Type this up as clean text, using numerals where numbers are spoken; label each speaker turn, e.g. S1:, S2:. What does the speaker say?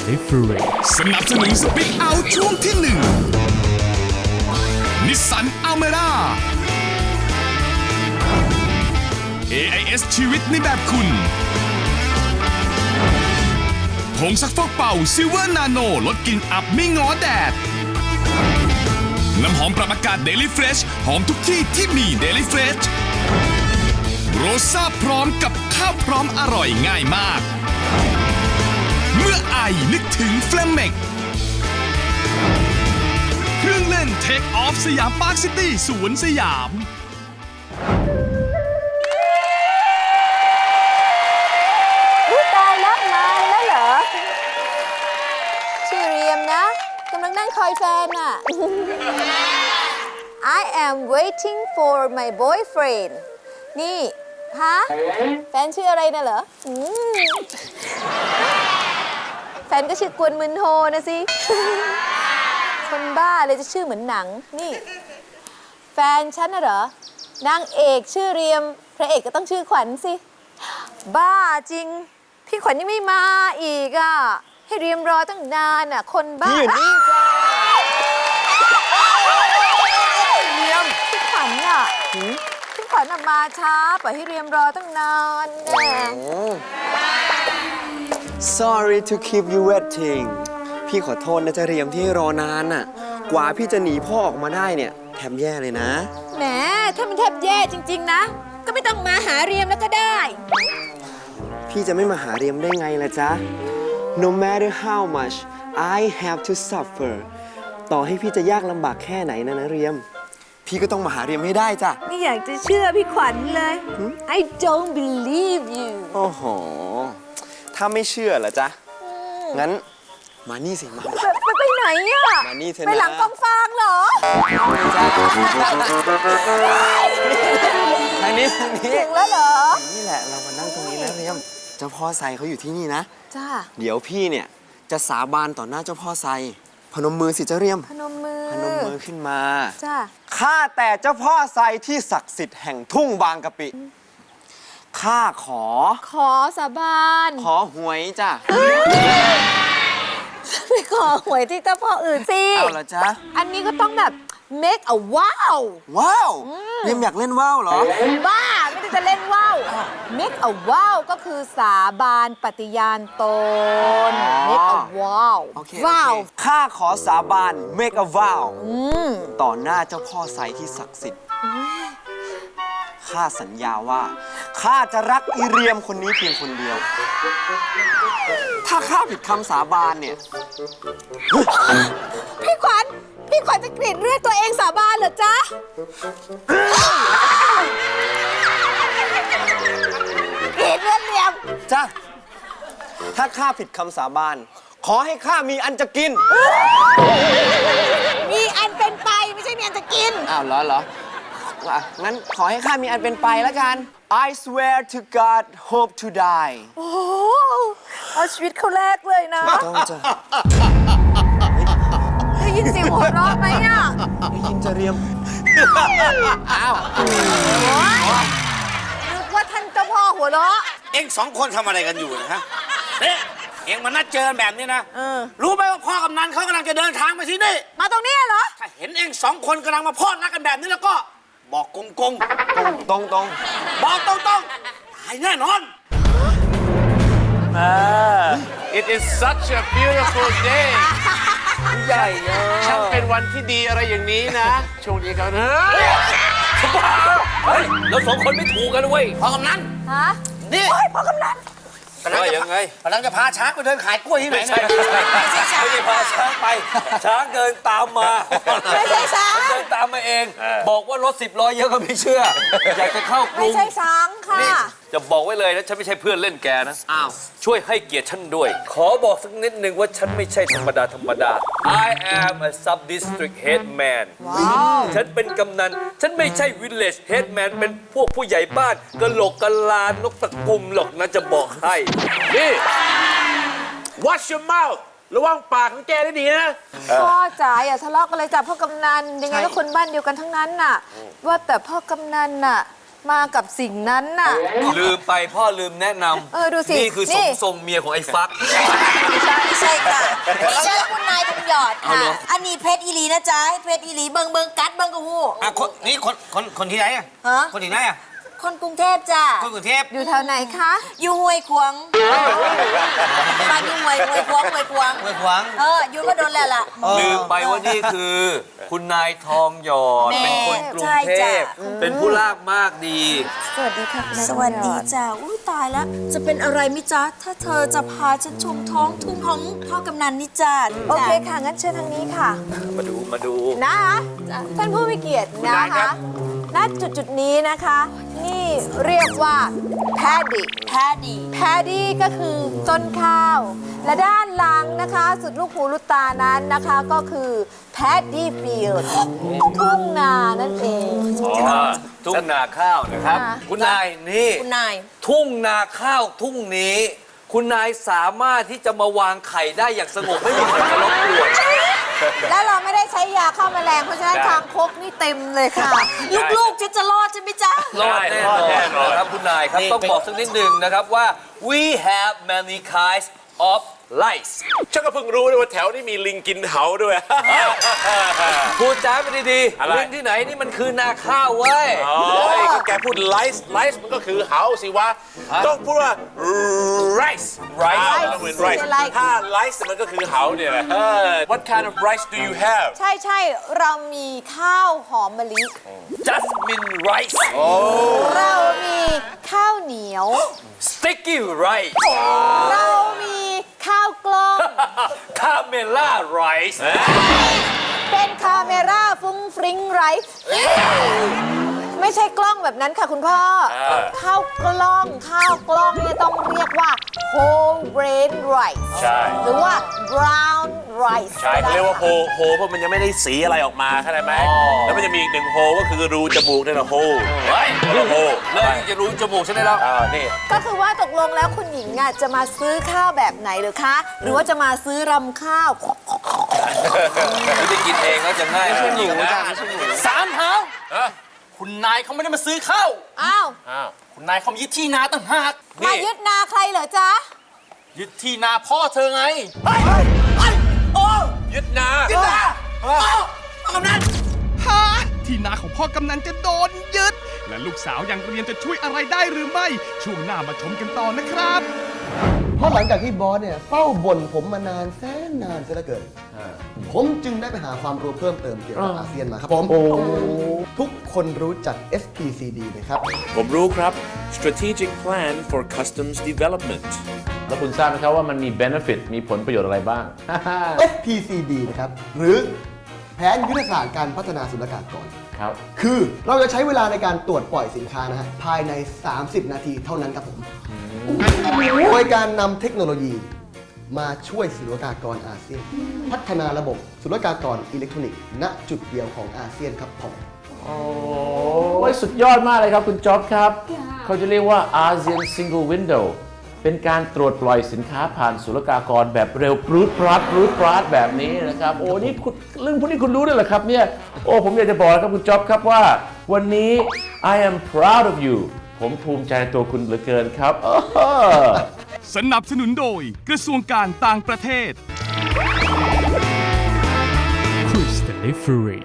S1: Delivering
S2: สนับสนุนสปีกเอาช่วงที่ 1 นิสสันอัลเมร่า AIS ชีวิตในแบบคุณผงซักฟอกเป่าซิลเวอร์นาโนลดกลิ่นอับไม่ง้อแดดน้ำหอมปรับอากาศ Daily Fresh หอมทุกที่ที่มี Daily Fresh โรซ่าพร้อมกับข้าวพร้อมอร่อยง่ายมากเมื่อไอนึกถึงเฟลเมกเครื่องเล่น Take Off สยามพาร์คซิตี้สวนสยาม
S3: ตายแล้วมาแล้วเหรอชื่อเรียมนะกำลังนั่งคอยแฟนน่ะ I am waiting for my boyfriend นี่ฮะแฟนชื่ออะไรนะเหรอแฟนก็ชื่อกวนมึนโฮนะสิ คนบ้าเลยจะชื่อเหมือนหนังนี่แฟนฉันน่ะเหรอนางเอกชื่อเรียมพระเอกก็ต้องชื่อขวัญสิบ้าจริงพี่ขวัญยังไม่มาอีกอ่ะให้เรียมรอตั้งนานอ่ะคนบ้าพี่อยู่นี่จ้าเรียมพี่ขวัญอ่ะพี่ขวัญมาช้าปล่อยให้เรียมรอตั้งนานแน่
S4: Sorry to keep you waiting พี่ขอโทษนะจะเรียมที่รอนานน่ะกว่าพี่จะหนีพ่อออกมาได้เนี่ยแถมแย่เลยนะ
S3: แหมถ้ามันแทบแย่จริงๆนะก็ไม่ต้องมาหาเรียมแล้วก็ได้
S4: พี่จะไม่มาหาเรียมได้ไงล่ะจ๊ะ No matter how much I have to suffer ต่อให้พี่จะยากลำบากแค่ไหนนะเรียมพี่ก็ต้องมาหาเรียมให้ได้จ้ะ
S3: ไม่อยากจะเชื่อพี่ขวัญเลย I don't believe you
S4: โอ้โหถ้าไม่เชื่อเหรอจ๊ะงั้นมานี่สิมา
S3: ไปไหนอ่ะ
S4: มานี่เถอะนะ
S3: ไปหลังกองฟางเหรอ
S4: ทางนี้
S3: ถึงแล้วเหรอ
S4: นี่แหละเรามานั่งตรงนี้นะเรียมเจ้าพ่อไซเขาอยู่ที่นี่นะ
S3: จ้า
S4: เดี๋ยวพี่เนี่ยจะสาบานต่อหน้าเจ้าพ่อไซพนมมือสิเจ้าเรียม
S3: พนมมือ
S4: ขึ้นมา
S3: จ้า
S4: ข้าแต่เจ้าพ่อไซที่ศักดิ์สิทธิ์แห่งทุ่งบางกะปิข้าขอ
S3: สาบาน
S4: ขอหวยจ้ะ
S3: ไปขอหวยที่เจ้าพ่ออื่นสิ
S4: เอาละจ๊ะ
S3: อันนี้ก็ต้องแบบ make a wow
S4: เรียมอยากเล่นว้าวเหรอ
S3: บ้าไม่ได้จะเล่นว้าว make a wow ก็คือสาบานปฏิญาณตน make a wow
S4: ว้าวข้าขอสาบาน make a wow ต่อหน้าเจ้าพ่อไซที่ศักดิ์สิทธิ์ข้าสัญญาว่าข้าจะรักอีเรียมคนนี้เพียงคนเดียวถ้าข้าผิดคำสาบานเนี่ย
S3: พี่ขวัญจะกรีดเลือดตัวเองสาบานเหรอจ๊ะกรีดเลือดเรียม
S4: จ้ะถ้าข้าผิดคำสาบานขอให้ข้ามีอันจะกิน
S3: มีอันเป็นไปไม่ใช่มีอันจะกิน
S4: อ้าวเหรองั้นขอให้ข้ามีอันเป็นไปแล้วกัน I swear to God hope to die
S3: โอ้เอาชีวิตเขาแรกเลยนะ
S4: ต้องจะ
S3: ได้ยินเสียงหัวเราะไหมอ่ะ
S4: ได้ยินจะเรียมอ้าว
S3: นึกว่าท่านเจ้าพ่อหัวเราะ
S5: เอ็งสองคนทำอะไรกันอยู่นะฮะเนี่ยเอ็งมานัดเจอแบบนี้นะรู้ไหมว่าพ่อกำนันเขากำลังจะเดินทางมาที่นี่
S3: มาตรงนี้เหรอ
S5: ถ้าเห็นเอ็งสองคนกำลังมาพอดรักกันแบบนี้แล้วก็บอกตรงบอกตรงตายแน่นอน
S6: It is such a beautiful day ใหญ่ช่างเป็นวันที่ดีอะไรอย่างนี้นะช่วงนี้กันเฮ้ย
S5: เราสองคนไม่ถูกกันเว้ยพ่อกำนันนี่
S3: พ่อกำนัน
S5: กำลังจะพาช้างไปเดินขายกล้วยที่ไหนไม่ใช่พาช้างไปช้างเดินตามมา
S3: ไม่ใช่ช้าง
S5: เดินตามมาเองบอกว่ารถ10 ล้อเยอะก็ไม่เชื่ออยากจะเข้ากรุง
S3: ไม่ใช่ช้างค่ะ
S6: จะบอกไว้เลยนะฉันไม่ใช่เพื่อนเล่นแกนะช่วยให้เกียรติฉันด้วยขอบอกสักนิดนึงว่าฉันไม่ใช่ธรรมดาI am a sub district head man ฉันเป็นกำนันฉันไม่ใช่ village head man เป็นพวกผู้ใหญ่บ้านกะโหลกกะลานกตะกุมหรอกนะจะบอกให้นี่ Watch your mouth ระวังปากของแกได้ดีนะ
S3: พ่อจ๋าอย่าทะเลาะกันเลยจ้ะพ่อกำนันยังไงก็คนบ้านเดียวกันทั้งนั้นน่ะว่าแต่พ่อกำนันน่ะมากับสิ่งนั้นน่ะ
S6: ลืมไปพ่อลืมแนะน
S3: ดูสิ
S6: ำนี่คือ
S3: นี่
S6: ทรงเมียของไอ้ฟัก
S1: ไม่ใช่ค่ะนี่ใช่คุณนายทองหยอด
S6: เอา
S1: ค่ะ
S6: เหรอ
S1: อันนี้เพชรอีหลีนะจ๊ะเพชรอีหลีเบิงกัดเบิงกระหู
S5: อ่ะนี่คนที่ไหนอ่ะ
S1: ฮะ
S5: คนที่ไหนอ่ะ
S1: คนกรุงเทพจ้ะ
S5: คนกรุงเทพ
S3: อยู่แถวไหนคะ
S1: อยู่ห้วยขวางมาอยู่ห้วยขวาง
S5: เมืองขวาง
S1: อยู่ก็โดนแล้วล่ะ
S6: ลืมไปว่านี่คือ คุณนายทองหยอด
S1: แม่
S6: เป็นคนกรุง
S1: ใช่
S6: เท
S1: จ้ะ
S6: พเป็นผู้ลากมากดี
S3: สวัสดีค่ะคุณนาย
S1: สวัสดี
S3: ทองหยอ
S1: จ้ะอุ้ยตายแล้ว จะเป็นอะไรมิจ๊ะ ถ้าเธอจะพาฉันชมท้องทุ่งของพ่อกำนันนี่จ้ะ
S3: โอเคค่ะ งั้นเชิญทางนี้ค่ะ
S6: มาดู
S3: นะคะท่านผู้มีเกียรตินะคะณจุดนี้นะคะ นี่เรียกว่าแพดดี้
S1: แพดดี้
S3: แพดดี้ก็คือต้นข้าว และด้านหลังนะคะ สุดลูกหูลูกตานั้นนะคะก็คือแพดดี้ฟิลด์ทุ่งนานั่นเอง
S6: ทุ่งนาข้าวนะครับ
S3: ค่ะ
S6: คุณนายนี่
S1: คุณนาย
S6: ทุ่งนาข้าวทุ่งนี้ คุณนายสามารถที่จะมาวางไข่ได้อย่างสงบไม่มีใครมารบกวน
S3: แล้วเราไม่ได้ใช้ยาฆ่าแมลงเพราะฉะนั้น
S6: ได้
S3: คางคกนี่เต็มเลยค่ะ
S1: ลูกๆฉันจะรอดใช่ไหมจ๊ะ
S6: รอดแน่นอนนะครับคุณนายครับต้องบอกสักนิดหนึ่งนะครับว่า we have many kinds of lice
S7: ฉันก็เพิ่งรู้เลยว่าแถวนี้มีลิงกินเหาด้วย
S6: พูดจ้าไปดี
S7: อะไร
S6: ๆลิงที่ไหนนี่มันคือนาข้าวเว้ย
S7: โอ้ยก็แกพูดไลซ์มันก็คือเหาสิวะ ต้องพูดว่า rice ต้องเป็น rice ถ้า rice มันก็คือเหาเนี่ยแหละ What kind of rice do you have
S3: ใช่ใช่เรามีข้าวหอมมะลิ
S6: jasmine rice
S3: เรามีข้าวเหนียว
S6: sticky rice
S3: เรามีข้าวกล้อง
S6: camela rice
S3: เป็นคาเมราฟุ้งฟริ้งไรซ์ไม่ใช่กล้องแบบนั้นค่ะคุณพ่อ ข้าวกล้องเนี่ยต้องเรียกว่า whole grain rice
S7: ใช่
S3: หรือว่า brown rice
S7: ใช่เขาเรียกว่าโฮเพราะมันยังไม่ได้สีอะไรออกมาเข้าใจไหม แล้วมันจะมีอีกหนึ่งโฮก็คือรูจมูกนี่แหละโฮ
S6: เฮ้ย
S7: โฮ
S6: เลยจะรู้จมูกฉันได้แล้ว
S7: นี่
S3: ก็คือว่าตกลงแล้วคุณหญิงอ่ะจะมาซื้อข้าวแบบไหนหรือคะ หรือว่าจะมาซื้อรำข้าว
S6: ไม่ได้กินเองแล้วจะง่ายไม่ใช่หนูนะ
S8: สามหาวคุณนายเขาไม่ได้มาซื้อข้าว
S3: อ้าว
S8: คุณนายเขามายึดที่นาต่างหาก
S3: มายึดนาใครเหรอจ๊ะ
S8: ยึดที่นาพ่อเธอไง
S7: ยึดนา
S2: ฮะที่นาของพ่อกำนันจะโดนยึด และลูกสาวอย่างเรียนจะช่วยอะไรได้หรือไม่ ช่วงหน้ามาชมกันต่อนะครับ
S9: เพราะหลังจากที่บอสเนี่ยเฝ้าบ่นผมมานานแสนนานเสียเหลือเกิน ผมจึงได้ไปหาความรู้เพิ่มเติมเกี่ยวกับอาเซียนมาครับผม ทุกคนรู้จัก SPCD ไหมครับ
S7: ผมรู้ครับ Strategic Plan for Customs Development
S10: แล้วคุณทราบไหมครับว่ามันมี benefit มีผลประโยชน์อะไรบ้าง
S9: SPCD นะครับ หรือแผนยุทธศาสตร์การพัฒนาศุลกากร
S10: ครับ
S9: คือเราจะใช้เวลาในการตรวจปล่อยสินค้านะฮะภายใน 30 นาทีเท่านั้นครับผม โดยการนำเทคโนโลยีมาช่วยศุลกากรอาเซียน พัฒนาระบบศุลกากรอิเล็กทรอนิกส์ณจุดเดียวของอาเซียนครับผม
S10: โอ้ยสุดยอดมากเลยครับคุณจ๊อบครับ เขาจะเรียกว่า ASEAN Single Window เป็นการตรวจปล่อยสินค้าผ่านศุลกากรแบบเร็วปรูดปราดแบบนี้นะครับ โอ้นี่คุณเรื่องพวกนี้คุณรู้ด้วยเหรอครับเนี่ย โอ้ผมอยากจะบอกนะครับคุณจ๊อบครับว่า วันนี้ I am proud of you ผมภูมิใจในตัวคุณเหลือเกินครับ
S2: สนับสนุนโดยกระทรวงการต่างประเทศ Cruise Delivery